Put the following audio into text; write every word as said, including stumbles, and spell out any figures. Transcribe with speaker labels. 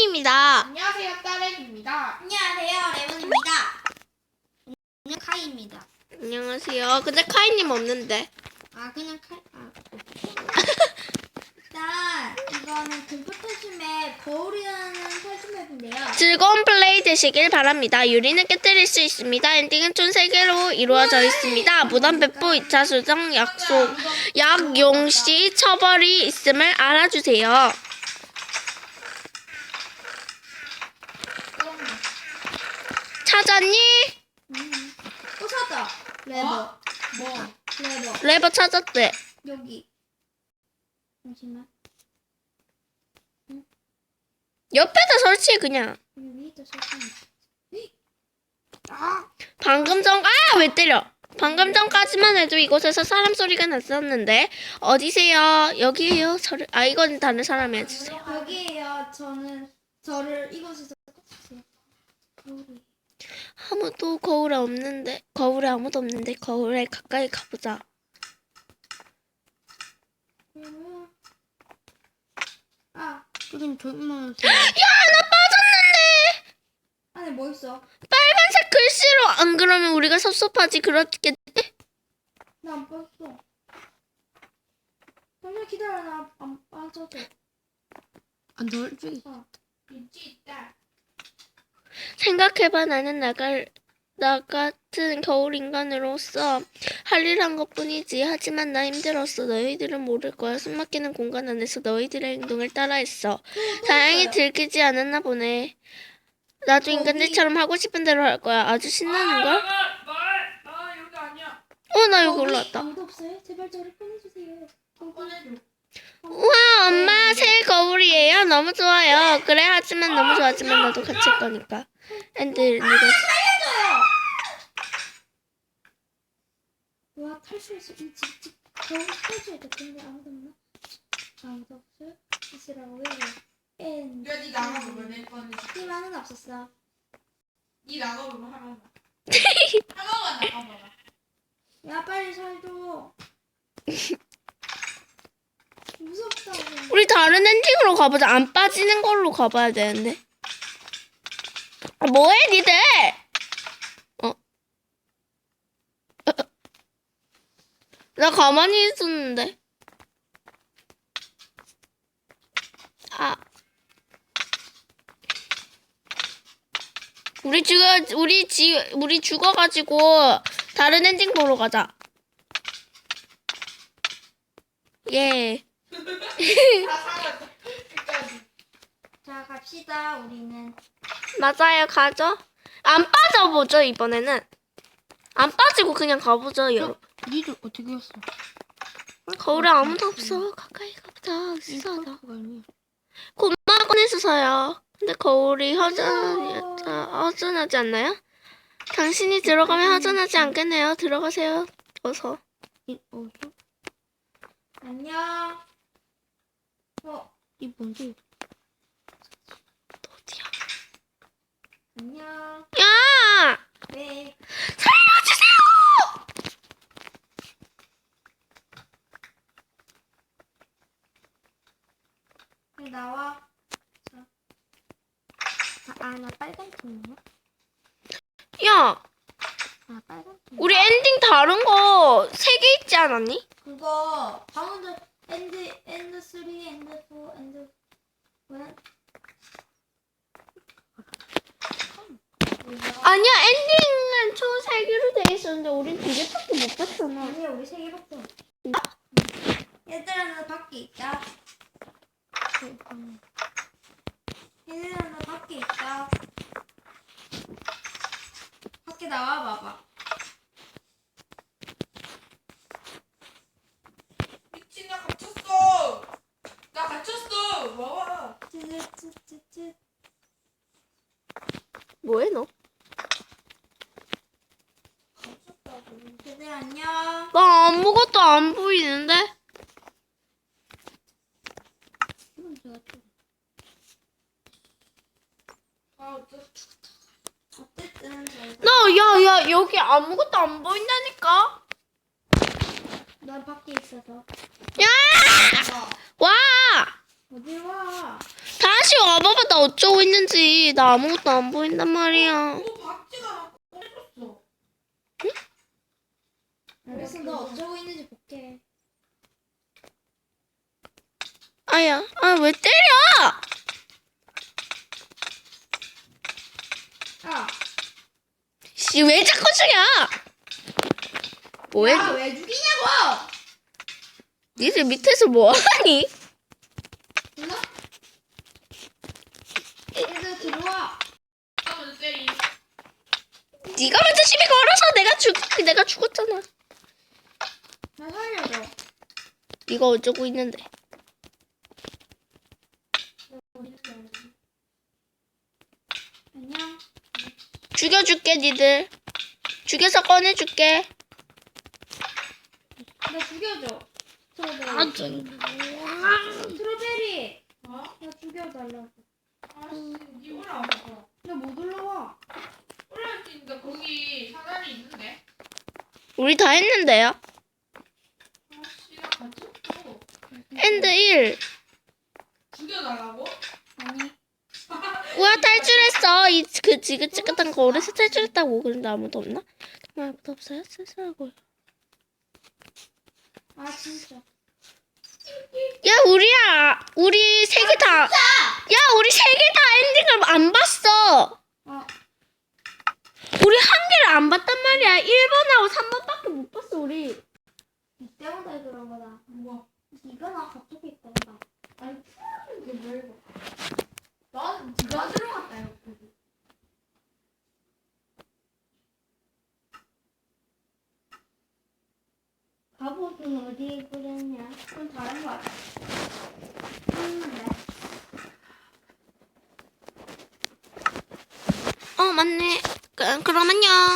Speaker 1: 앤딩입니다.
Speaker 2: 안녕하세요, 딸애입니다.
Speaker 3: 안녕하세요, 레몬입니다. 안녕, 카이입니다.
Speaker 1: 안녕하세요. 근데 카이님 없는데.
Speaker 3: 아, 그냥 카이, 아. 일단, 이거는 공포 탈춤의 거울이라는 탈춤 맵인데요.
Speaker 1: 즐거운 플레이 되시길 바랍니다. 유리는 깨뜨릴 수 있습니다. 엔딩은 총 세 개로 이루어져 있습니다. 무단 배포, 이 차 수정, 약속, 약용시 처벌이 있음을 알아주세요. 찾았니?
Speaker 3: 음. 또 찾았다. 레버.
Speaker 2: 뭐?
Speaker 3: 레버.
Speaker 1: 레버 찾았대.
Speaker 3: 여기. 잠시만.
Speaker 1: 옆에다 설치해 그냥.
Speaker 3: 여기 위에다 설치해.
Speaker 2: 아,
Speaker 1: 방금 전, 아! 왜 때려? 방금 전까지만 해도 이곳에서 사람 소리가 났었는데 어디세요? 여기에요. 저를, 아 이건 다른 사람이 해주세요.
Speaker 3: 여기에요. 저는 저를 이곳에서 찾으세요. 거울이.
Speaker 1: 아무도 거울에 없는데 거울에 아무도 없는데 거울에 가까이 가보자.
Speaker 3: 음. 아, 여긴 정말.
Speaker 1: 야! 나 빠졌는데!
Speaker 3: 안에 뭐 있어?
Speaker 1: 빨간색 글씨로. 안 그러면 우리가 섭섭하지. 그렇겠지?
Speaker 3: 나 안 빠졌어. 잠시만 기다려. 나 안 빠져도.
Speaker 2: 안 돌지.
Speaker 3: 어.
Speaker 2: 있지 있다.
Speaker 1: 생각해봐. 나는 나갈 나 같은 겨울 인간으로서 할 일 한 것뿐이지. 하지만 나 힘들었어. 너희들은 모를 거야. 숨막히는 공간 안에서 너희들의 행동을 따라했어. 다행히 들키지 않았나 보네. 나도 인간들처럼 하고 싶은 대로 할 거야. 아주 신나는 걸?
Speaker 2: 말, 아 여기 아니야.
Speaker 1: 어, 나 여기
Speaker 3: 거기
Speaker 1: 올라왔다.
Speaker 3: 아무도 없어요? 제발 저를 꺼내주세요.
Speaker 2: 꺼내줘.
Speaker 1: 우와, 엄마 새 거울이에요. 너무 좋아요. 그래, 하지만 너무 좋아하지만 나도 같이 할 거니까. 앤들, 니가
Speaker 3: 살려줘요. 와 탈출했어. 이 집, 집 겨우 탈출했다. 근데 아무도 없나? 아무도 없어요? 있으라고 해요. 엔.
Speaker 2: 야, 니 나가보면 내 거는.
Speaker 3: 희망은 없었어.
Speaker 2: 니 나가보면 하나만. 하나만 나가봐라.
Speaker 3: 야 빨리 살줘. 무섭다고.
Speaker 1: 우리 다른 엔딩으로 가보자. 안 빠지는 걸로 가봐야 되는데. 아, 뭐해, 니들? 어? 나 가만히 있었는데. 아. 우리 죽어, 우리 지, 우리 죽어가지고 다른 엔딩 보러 가자. 예.
Speaker 2: 다 살았다. 끝까지.
Speaker 3: 자 갑시다. 우리는.
Speaker 1: 맞아요, 가죠. 안 빠져보죠, 이번에는. 안 빠지고 그냥 가보죠, 여러분.
Speaker 2: 니들 어떻게 했어?
Speaker 1: 거울에 아무도 없어. 가까이 가보자. 수사하다.
Speaker 2: 아니야.
Speaker 1: 고마워 꺼내주세요. 근데 거울이 허전하지, 허전하지 않나요? 당신이 들어가면 허전하지 않겠네요. 들어가세요. 어서.
Speaker 2: 어서?
Speaker 3: 안녕. 어
Speaker 2: 이 뭔지?
Speaker 1: 너 어디야?
Speaker 3: 안녕.
Speaker 1: 야!
Speaker 3: 네.
Speaker 1: 살려주세요!
Speaker 3: 빨리 나와. 자. 아 나 빨간 팀이야?
Speaker 1: 야!
Speaker 3: 아 빨간 팀.
Speaker 1: 우리 엔딩 다른 거 세 개 있지 않았니?
Speaker 3: 그거 방금 전 엔드 엔드 쓰리 엔드 포 엔드 원.
Speaker 1: 아니야, 엔딩은 총 세 개로 돼 있었는데 우린 두 개밖에 못 봤잖아.
Speaker 3: 아니야 우리 세 개밖에 없어. 얘들아 나 밖에 있다. 얘들아 나 밖에 있다. 밖에 나와 봐봐.
Speaker 2: 미친 나 갇혔어. 나 갇혔어. 와와.
Speaker 3: 쯔쯔쯔쯔.
Speaker 1: 뭐해, 너?
Speaker 3: 갇혔다고. 얘들아 안녕.
Speaker 1: 나 아무것도 안 보이는데?
Speaker 3: 이건 제가 좀
Speaker 2: 아 어쩌?
Speaker 3: 어쨌든 잘.
Speaker 1: 나, 야, 야, 여기 아무것도 안 보인다니까?
Speaker 3: 난 밖에 있어서.
Speaker 1: 야! 와!
Speaker 3: 어디 와?
Speaker 1: 다시 와봐봐 나 어쩌고 있는지. 나 아무것도 안 보인단 말이야.
Speaker 2: 뭐 박지가 나 꺼내줬어.
Speaker 3: 알겠어, 너 어쩌고 있는지 볼게.
Speaker 1: 아야, 아 왜 때려?
Speaker 3: 야,
Speaker 1: 씨, 왜 자꾸 죽여? 뭐해?
Speaker 3: 야, 왜 죽이냐고?
Speaker 1: 니들 밑에서 뭐하니?
Speaker 3: 몰라? 얘들 들어와.
Speaker 2: 하면 때리.
Speaker 1: 네가 먼저 시비 걸어서 내가 죽, 내가 죽었잖아.
Speaker 3: 나 살려줘.
Speaker 1: 네가 어쩌고 있는데?
Speaker 3: 안녕.
Speaker 1: 죽여줄게, 니들. 죽여서 꺼내줄게.
Speaker 3: 나 죽여줘. 스트로베리.
Speaker 1: 아, 좀.
Speaker 3: 스트로베리.
Speaker 2: 어?
Speaker 3: 나 죽여달라고.
Speaker 2: 알았어. 니 올라와봐.
Speaker 3: 나 못 올라와.
Speaker 2: 올라올 수 있는데 거기 사다리 있는데.
Speaker 1: 우리 다 했는데요?
Speaker 2: 아씨 나 갇혔어.
Speaker 1: 엔드 일.
Speaker 2: 죽여달라고?
Speaker 3: 아니.
Speaker 1: 우와, 탈출했어. 이, 그 지긋지긋한 거울에서 탈출했다고. 그런데 아무도 없나? 정말 아무도 없어요? 쓸쓸하고요.
Speaker 3: 아, 진짜.
Speaker 1: 야, 우리야. 우리 세 개 다. 야, 우리 세 개 다 엔딩을 안 봤어.
Speaker 3: 아,
Speaker 1: 우리 한 개를 안 봤단 말이야. 일 번하고 삼 번밖에 못 봤어, 우리.
Speaker 3: 이 때문에 그런 거다.
Speaker 2: 뭐?
Speaker 3: 이거 나 갑자기 있단다.
Speaker 2: 아니 풀어주는 게 뭐 이거? 난 네가 들어갔다 여기.
Speaker 3: 갑옷은 어디에 뿌렸냐?
Speaker 2: 그건 다른 거 같아.
Speaker 3: 음, 네.
Speaker 1: 어, 맞네. 그, 그럼 안녕.